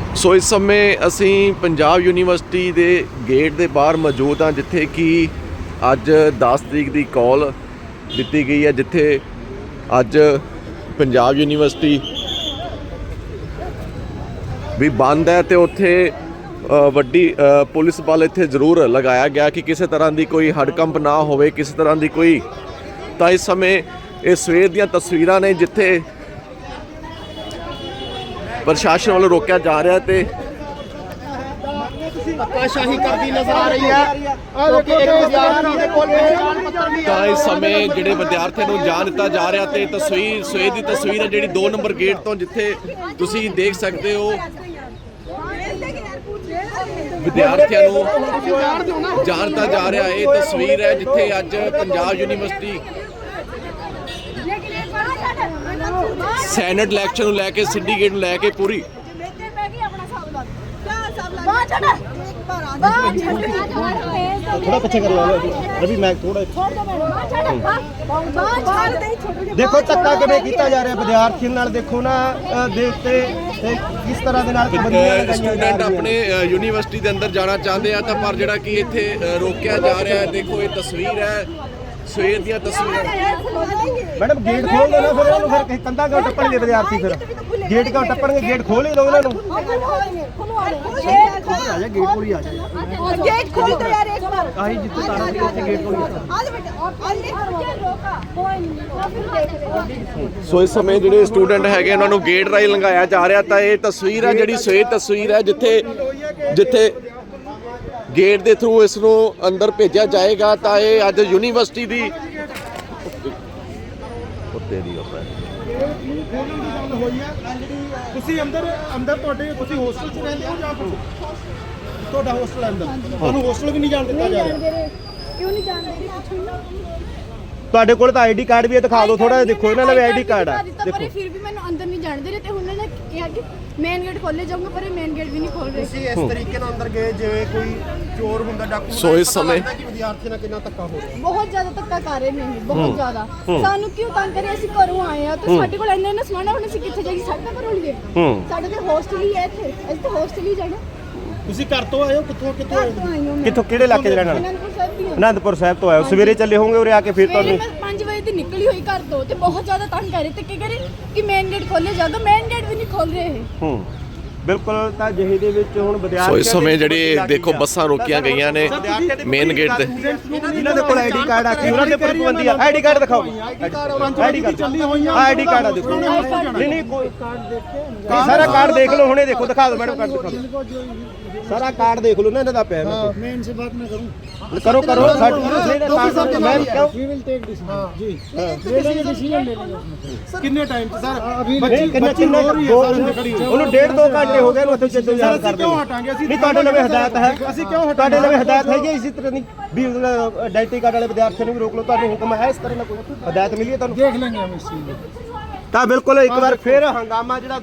सो इस समय असी पंजाब यूनीवर्सिटी के गेट के बाहर मौजूद हाँ, जिथे कि अज 10 तरीक की कॉल दी गई है, जिथे अज पंजाब यूनीवर्सिटी भी बंद है। तो उत्थे वड्डी पुलिस बल इत्थे जरूर लगाया गया कि किसी तरह की कोई हड़कंप ना होवे, किसी तरह की कोई। तो इस समय ये सवेर दी तस्वीरां ने जिथे प्रशासन वालों रोकया जा रहा है। धक्काशाही करती नजर आ रही है। तो इस समय जिहड़े विद्यार्थियों को जान दिता जा रहा, तो तस्वीर सवेर की तस्वीर है जी 2 नंबर गेट तो, जिथे तुसीं देख सकते हो विद्यार्थियों को जान दिता जा रहा। ये तस्वीर है जिथे अज पंजाब यूनीवर्सिटी सैनेट इलैक्शन को लैके सिंडीकेट को लैके पूरी थोड़ा पीछे कर लो रवि, मैं थोड़ा देखो धक्का किवें कीता जा रहा विद्यार्थियों नाल। देखो ना देखते किस तरह दे नाल स्टूडेंट अपने यूनीवर्सिटी के अंदर जाना चाहते हैं, तो पर जिहड़ा कि इत्थे रोकया जा रहा है। देखो ये तस्वीर है सवेर दी तस्वीर। मैडम गेट खोल दो ना, फिर उन्होंने फिर कंधा क्यों टप्पणगे विद्यार्थी? फिर गेट क्यों टप्पणगे? गेट खोल ही दो उन्होंने। गेट खोल ही आ जाए, गेट खोल दो यार एक बार। काहे जितने तारा से उससे गेट खोल दो। सो इस समय जिहड़े स्टूडेंट हैगे उन्हां नूं गेट राही लंघाया जा रहा। तो ये तस्वीर है जिहड़ी सवेर तस्वीर है जिथे जिथे गेट के थ्रू इसनों अंदर भेजा जाएगा। तो ये अज यूनीवर्सिटी की ਤੁਸੀਂ ਅੰਦਰ ਤੁਹਾਡੇ ਤੁਸੀਂ ਹੋਸਟਲ 'ਚ ਰਹਿੰਦੇ ਹੋ ਜਾਂ ਤੁਹਾਡਾ ਹੋਸਟਲ ਅੰਦਰ? ਤੁਹਾਨੂੰ ਹੋਸਟਲ ਵੀ ਨਹੀਂ ਜਾਣ ਦਿੱਤਾ ਜਾ ਰਿਹਾ? ਕਿਉਂ ਨਹੀਂ ਜਾਣਦੇ? ਪੁੱਛੋ। ਤੁਹਾਡੇ ਕੋਲ ਤਾਂ ਆਈਡੀ ਕਾਰਡ ਵੀ ਹੈ, ਦਿਖਾ ਦਿਓ ਥੋੜਾ। ਦੇਖੋ ਇਹਨਾਂ ਦਾ ਵੀ ਆਈਡੀ ਕਾਰਡ ਆ। ਦੇਖੋ ਪਰ ਫਿਰ ਵੀ ਮੈਨੂੰ ਅੰਦਰ ਨਹੀਂ ਜਾਣ ਦੇ ਰਹੇ, ਤੇ ਉਹਨਾਂ ਨੇ ਕਿਹਾ ਕਿ ਮੇਨ ਗੇਟ ਖੋਲੇ ਜਾਊਗਾ, ਪਰ ਇਹ ਮੇਨ ਗੇਟ ਵੀ ਨਹੀਂ ਖੋਲ ਰਹੇ। ਤੁਸੀਂ ਇਸ ਤਰੀਕੇ ਨਾਲ ਅੰਦਰ ਗਏ ਜਿਵੇਂ ਕੋਈ ਚੋਰ ਹੁੰਦਾ, ਡਾਕੂ। ਸੋ ਇਸ ਸਮੇਂ ਵਿਦਿਆਰਥੀਆਂ ਨਾਲ ਕਿੰਨਾ ਧੱਕਾ ਹੋ ਰਿਹਾ? ਬਹੁਤ ਜ਼ਿਆਦਾ ਧੱਕਾ ਕਰ ਰਹੇ ਨੇ ਇਹ, ਬਹੁਤ ਜ਼ਿਆਦਾ। ਸਾਨੂੰ ਕਿਉਂ ਤੰਗ ਕਰੇ? ਅਸੀਂ ਘਰੋਂ ਆਏ ਆ ਤੇ ਸਾਡੇ ਕੋਲ ਇੰਨਾ ਸਮਾਨ, ਹੁਣ ਅਸੀਂ ਕਿੱਥੇ ਜਾਈਏ? ਸਾਡਾ ਘਰੋਂ ਲਈਏ? ਸਾਡੇ ਤੇ ਹੋਸਟਲ ਹੀ ਹੈ ਇੱਥੇ, ਅਸੀਂ ਤਾਂ ਹੋਸਟਲ ਹੀ ਜਾਣਾ। ਤੁਸੀਂ ਘਰ ਤੋਂ ਆਏ ਹੋ? ਕਿੱਥੋਂ ਆਈ ਹਾਂ ਮੈਂ। ਕਿੱਥੋਂ ਕਿਹੜੇ ਇਲਾਕੇ 'ਚ ਰਹਿਣ ਵਾਲੇ? ਅਨੰਦਪੁਰ ਸਾਹਿਬ ਦੀ ਹਾਂ। ਅਨੰਦਪੁਰ ਸਾਹਿਬ ਤੋਂ ਆਏ ਹੋ? ਸਵੇਰੇ ਚੱਲੇ ਹੋਵੋਗੇ ਉਰੇ ਆ ਕੇ? ਫਿਰ ਤੁਹਾਨੂੰ ਮੈਂ 5 ਵਜੇ ਦੀ ਨਿਕਲੀ ਹੋਈ ਘਰ ਤੋਂ, ਤੇ ਬਹੁਤ ਜ਼ਿਆਦਾ ਤੰਗ ਕਰ ਰਹੇ ਤੇ ਕੀ ਕਰੇ ਕਿ ਮੇਨ ਗੇਟ ਖੋਲੇ ਜਾਊਗਾ, ਮੇਨ ਗੇਟ ਵੀ ਨਹੀਂ ਖੋਲ ਰਹੇ ਇਹ। ਬਿਲਕੁਲ। ਤਾਂ ਜਿਹੇ ਦੇ ਵਿੱਚ ਹੁਣ ਵਿਦਿਆਰਥੀ ਸੋ ਇਸ ਸਮੇਂ ਜਿਹੜੇ ਦੇਖੋ ਬੱਸਾਂ ਰੋਕੀਆਂ ਗਈਆਂ ਨੇ ਮੇਨ ਗੇਟ ਤੇ। ਇਹਨਾਂ ਦੇ ਕੋਲ ਆਈਡੀ ਕਾਰਡ ਆ ਕੇ ਉਹਨਾਂ ਦੇ ਉੱਪਰ ਪਾਬੰਦੀ ਆ। ਆਈਡੀ ਕਾਰਡ ਦਿਖਾਓ। ਆਈਡੀ ਕਾਰਡ ਚੱਲੀ ਹੋਈਆਂ। ਆਈਡੀ ਕਾਰਡ ਆ ਦੇਖੋ। ਨਹੀਂ ਕੋਈ ਕਾਰਡ ਦੇਖੇ ਸਾਰਾ ਕਾਰਡ ਦੇਖ ਲਓ, ਹੁਣੇ ਦੇਖੋ। ਦਿਖਾ ਦਿਓ ਮੈਡਮ, ਕਾਰਡ ਦਿਖਾ ਦਿਓ। ਸਾਰਾ ਕਾਰਡ ਦੇਖ ਲਓ ਨਾ ਇਹਨਾਂ ਦਾ ਪਿਆ। मैं इनसे बात ना करूं। करो करो। मैं क्यों वी विल टेक डिसीजन जी। ले लेंगे डिसीजन, ले लेंगे। कितने टाइम सर? अभी कितने ਉਹਨੂੰ 1.5-2 ਘੰਟੇ ਹੋ ਗਏ ਨੂੰ ਉੱਥੇ ਜਦੋਂ ਯਾਰ ਕਰਦੇ। ਕਿਉਂ ਹਟਾਂਗੇ ਅਸੀਂ? ਨਹੀਂ ਤੁਹਾਡੇ ਲਵੇ ਹਦਾਇਤ ਹੈ। ਅਸੀਂ ਕਿਉਂ ਹਟਾਂਗੇ? ਤੁਹਾਡੇ ਲਵੇ ਹਦਾਇਤ ਹੈਗੀ ਇਸੇ ਤਰ੍ਹਾਂ ਦੀ ਵੀ ਆਈਡੈਂਟੀ ਕਾਰਡ ਵਾਲੇ ਵਿਦਿਆਰਥੀਆਂ ਨੂੰ ਵੀ ਰੋਕ ਲਓ। ਤੁਹਾਨੂੰ ਹੁਕਮ ਹੈ ਇਸ ਤਰ੍ਹਾਂ ਦਾ ਕੋਈ ਹਦਾਇਤ ਮਿਲੀ ਹੈ ਤੁਹਾਨੂੰ? ਦੇਖ ਲੈਂਗੇ ਹਮ ਇਸ ਚੀਜ਼ ਨੂੰ। ਤਾਂ ਬਿਲਕੁਲ ਇੱਕ ਵਾਰ ਫਿਰ ਹੰਗਾਮਾ ਜਿਹੜਾ